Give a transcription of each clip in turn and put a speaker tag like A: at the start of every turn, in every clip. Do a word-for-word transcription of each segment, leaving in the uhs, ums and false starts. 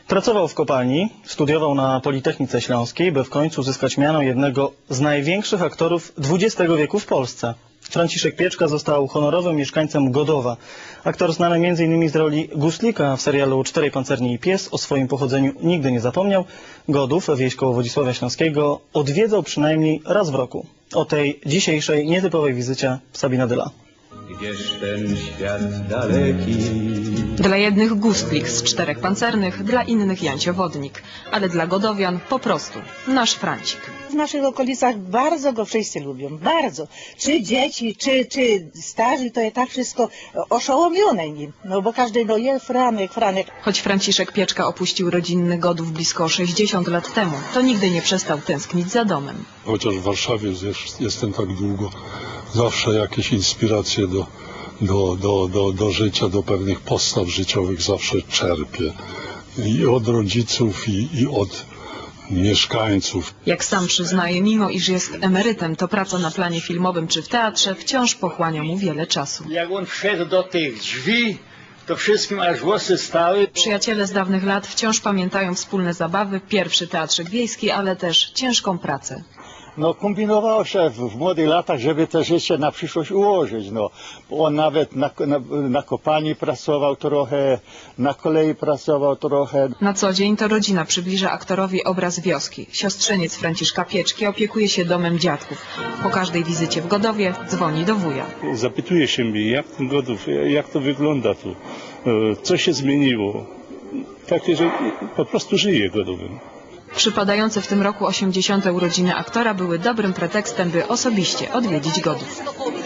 A: Pracował w kopalni, studiował na Politechnice Śląskiej, by w końcu uzyskać miano jednego z największych aktorów dwudziestego wieku w Polsce. Franciszek Pieczka został honorowym mieszkańcem Godowa. Aktor znany między innymi z roli Guslika w serialu Czterej pancerni i pies o swoim pochodzeniu nigdy nie zapomniał. Godów, wieś koło Wodzisławia Śląskiego, odwiedzał przynajmniej raz w roku. O tej dzisiejszej nietypowej wizycie Sabina Dyla.
B: Gdzież ten świat daleki?
C: Dla jednych Gustlik z Czterech Pancernych, dla innych Jancio Wodnik, ale dla godowian po prostu nasz Francik.
D: W naszych okolicach bardzo go wszyscy lubią, bardzo. Czy dzieci, czy, czy starzy, to jest tak wszystko oszołomione nim. No bo każdy, no jest Franek, Franek.
C: Choć Franciszek Pieczka opuścił rodzinny Godów blisko sześćdziesiąt lat temu, to nigdy nie przestał tęsknić za domem.
E: Chociaż w Warszawie jest, jestem tak długo, zawsze jakieś inspiracje do, do, do, do, do życia, do pewnych postaw życiowych zawsze czerpię. I od rodziców, i, i od mieszkańców.
C: Jak sam przyznaje, mimo iż jest emerytem, to praca na planie filmowym czy w teatrze wciąż pochłania mu wiele czasu.
F: Jak on wszedł do tych drzwi, to wszystkim aż włosy stały.
C: Przyjaciele z dawnych lat wciąż pamiętają wspólne zabawy, pierwszy teatrzyk wiejski, ale też ciężką pracę.
F: No kombinowało się w, w młodych latach, żeby te życie na przyszłość ułożyć. No. On nawet na, na, na kopalni pracował trochę, na kolei pracował trochę.
C: Na co dzień to rodzina przybliża aktorowi obraz wioski. Siostrzeniec Franciszka Pieczki opiekuje się domem dziadków. Po każdej wizycie w Godowie dzwoni do wuja.
G: Zapytuje się mnie, jak ten Godów, jak to wygląda tu, co się zmieniło. Takie, że po prostu żyje Godowym.
C: Przypadające w tym roku osiemdziesiąte urodziny aktora były dobrym pretekstem, by osobiście odwiedzić Godów.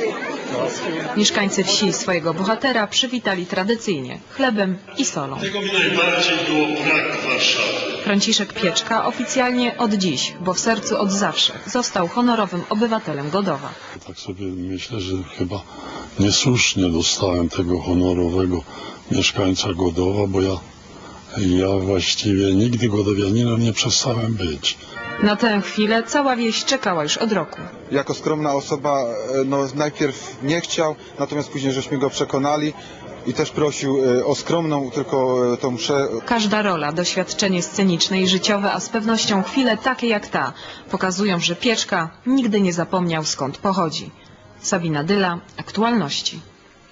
C: Mieszkańcy wsi swojego bohatera przywitali tradycyjnie chlebem i solą.
H: Tego mi najbardziej było brak w Warszawie.
C: Franciszek Pieczka oficjalnie od dziś, bo w sercu od zawsze, został honorowym obywatelem Godowa.
E: Tak sobie myślę, że chyba niesłusznie dostałem tego honorowego mieszkańca Godowa, bo ja Ja właściwie nigdy godowianinem nie przestałem być.
C: Na tę chwilę cała wieś czekała już od roku.
I: Jako skromna osoba, no najpierw nie chciał, natomiast później żeśmy go przekonali i też prosił o skromną tylko tą mszę.
C: Każda rola, doświadczenie sceniczne i życiowe, a z pewnością chwile takie jak ta, pokazują, że Pieczka nigdy nie zapomniał skąd pochodzi. Sabina Dyla, Aktualności.